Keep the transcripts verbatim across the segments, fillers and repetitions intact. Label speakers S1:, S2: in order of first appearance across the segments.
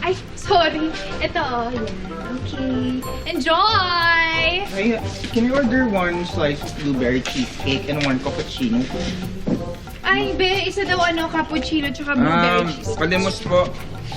S1: Ay, sorry. Ito, oh. Yan. Okay. Enjoy!
S2: Hey, can you order one slice of blueberry cheesecake and one cappuccino?
S1: Ay, be, isa daw ano, cappuccino tsaka blueberry
S2: Um,
S1: cheese.
S2: palimos po.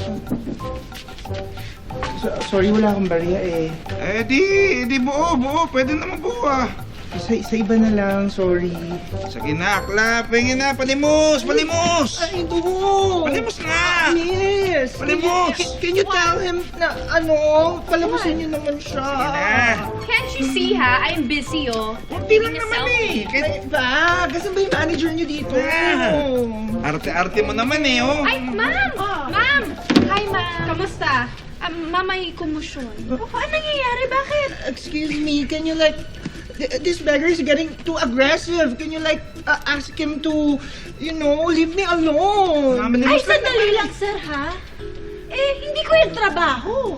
S2: So, sorry, wala akong bariya eh. Eh, di, di buo, buo. Pwede naman buo ah. Sa, sa iba na lang, sorry. Sige na, Akla. Pingin na, palimos, palimos!
S3: Ay, buo!
S2: Palimos na!
S3: Miss!
S2: Palimos!
S3: Can, can you tell him na ano, palamusin niyo naman siya.
S2: Sige na.
S1: Can't you see, ha? I'm busy, oh.
S2: Kunti lang
S1: Taking a
S2: naman
S1: selfie.
S2: eh. Kahit
S3: Ay, ba? Kasi ba yung manager niyo dito?
S2: Ah. Arte-arte mo naman eh, oh.
S1: Ay, ma'am! Ma'am! Hi, ma'am! Kamusta? Um, ma'am, may kumusyon.
S3: Oh, ano nangyayari? Bakit? Excuse me, can you like... th- This beggar is getting too aggressive. Can you like uh, ask him to, you know, leave me alone?
S2: Mama,
S4: Ay,
S2: limos
S4: sandali lang, sir, ha? Eh, hindi ko yung trabaho.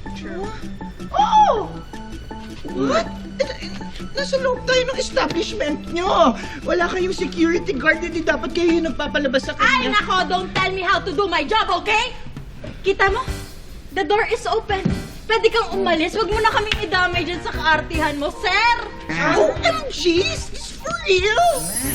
S3: Oh! What? Eh, Nasa loob tayo ng establishment nyo. Wala kayong security guard, hindi dapat kayo yung nagpapalabas sa
S4: Ay,
S3: kanya.
S4: nako, don't tell me how to do my job, okay? Kita mo? The door is open. Pwede kang umalis. Huwag mo na kaming idamay dyan sa kaartihan mo, sir!
S3: O M G! Is this for real?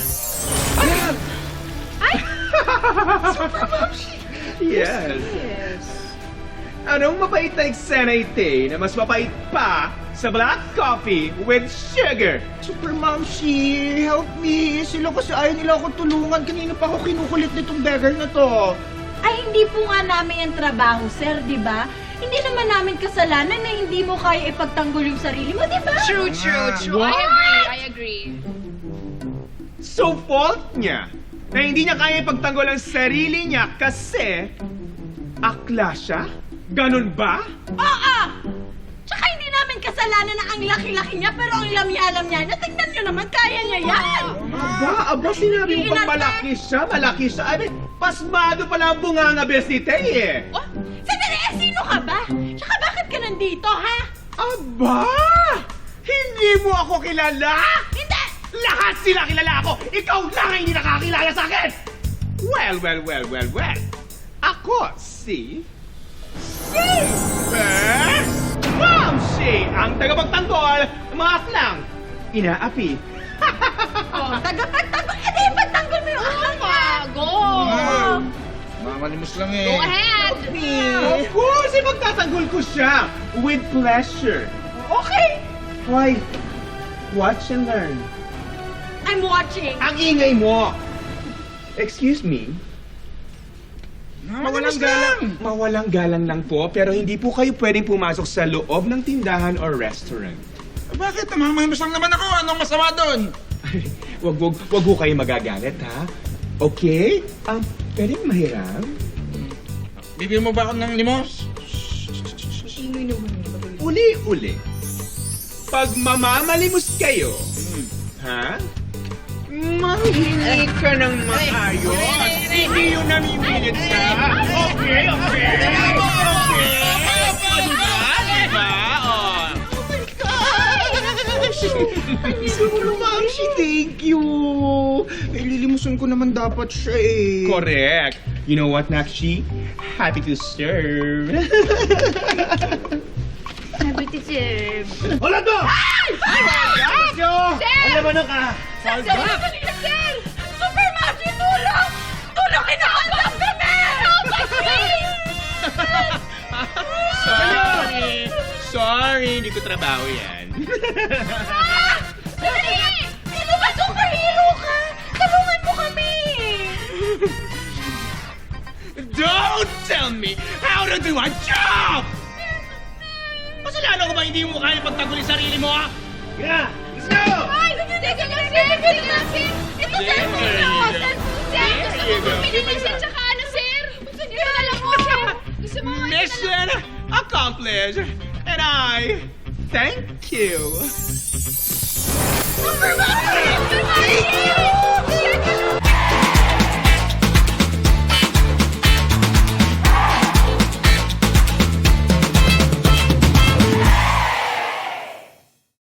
S5: Yes. Anong mapait na eksena ite na mas mapait pa sa black coffee with sugar?
S3: Super Momshi, help me. Sila kasi ayaw nila ako tulungan. Kanina pa ako kinukulit nitong beggar na to.
S4: Ay, hindi po nga namin yung trabaho, sir, di ba? Hindi naman namin kasalanan na hindi mo kaya ipagtanggol yung sarili mo, di ba?
S1: True, true, true. I
S5: What?
S1: agree, I agree.
S5: So fault niya na hindi niya kaya ipagtanggol ang sarili niya kasi akla siya? Ganun ba?
S4: Oo! Tsaka hindi namin kasalanan na ang laki-laki niya pero ang lamyalam niya na tingnan niyo naman, kaya niya yan!
S5: Aba, aba, sinabi mo pang malaki siya, malaki siya. Ay, pasmado pala ang bunganga besite eh.
S4: Oh, sandali, eh, sino ka ba? Tsaka bakit ka nandito, ha?
S5: Aba! Hindi mo ako kilala?
S4: Hindi!
S5: Lahat sila kilala ako! Ikaw lang ang hindi nakakilala sa akin! Well, well, well, well, well. Ako si... Si... Eh? Ma'am si ang tagapagtanggol ng mga aklang inaapi.
S4: Oh, tagapagtanggol! Eh, di, ipagtanggol mo yung aklang niya!
S1: Ah, go!
S2: Mamalimos lang eh.
S1: Go ahead!
S5: Of course, ipagtatanggol ko siya with pleasure. Okay? Why? Watch and learn.
S4: I'm watching!
S5: Ang ingay mo! Excuse me?
S2: Mamalimos
S5: Mawalang
S2: lang.
S5: galang, mawalang galang lang po, pero hindi po kayo pwedeng pumasok sa loob ng tindahan or restaurant.
S2: Bakit? Mamalimos lang naman ako. Anong masama doon?
S5: wag, wag, wag ho kayo magagalit, ha? Okay? Um, pwedeng mahiram?
S2: Bibigyan mo ba ako ng limos?
S5: Uli-uli. Pag mamamalimos kayo, ha? Manghingi ka ng maayos. Hindi yun namimilit ka. Okay, okay. Okay. Ano ba? Diba? Oh.
S3: Super Momshi, thank you. Eh, lilimusin ko naman dapat siya eh.
S5: Correct. You know what, Nakshi? Happy to serve.
S1: Happy to serve.
S5: Hola to!
S1: Ay!
S5: Yo!
S1: Sir!
S5: Alam mo na ka?
S4: Sir, sir, sir, sir! Super Magic, tulong! Tulong, kinakausap kami! Help us, please!
S5: Sorry. Sorry, hindi ko trabaho yan.
S4: Ah! Sandali! Sino ba superhero ka? Tulungan mo kami!
S5: Don't tell me how to do a job! Masalanan ko ba hindi mo kaya pagtanggol yung sarili mo, ha? Yeah! Let's go!
S1: Ay! Teka lang, sir! Teka lang, sir! Ito, sir!
S5: There
S1: Sir!
S5: you
S1: Sir!
S5: go.
S1: Sir! Gusto
S5: There you
S1: mo
S5: go.
S1: bumili ng sir tsaka ano, sir? Teka lang mo, sir! Gusto mo...
S5: Mission accomplished! And I thank you!
S4: Super Magic!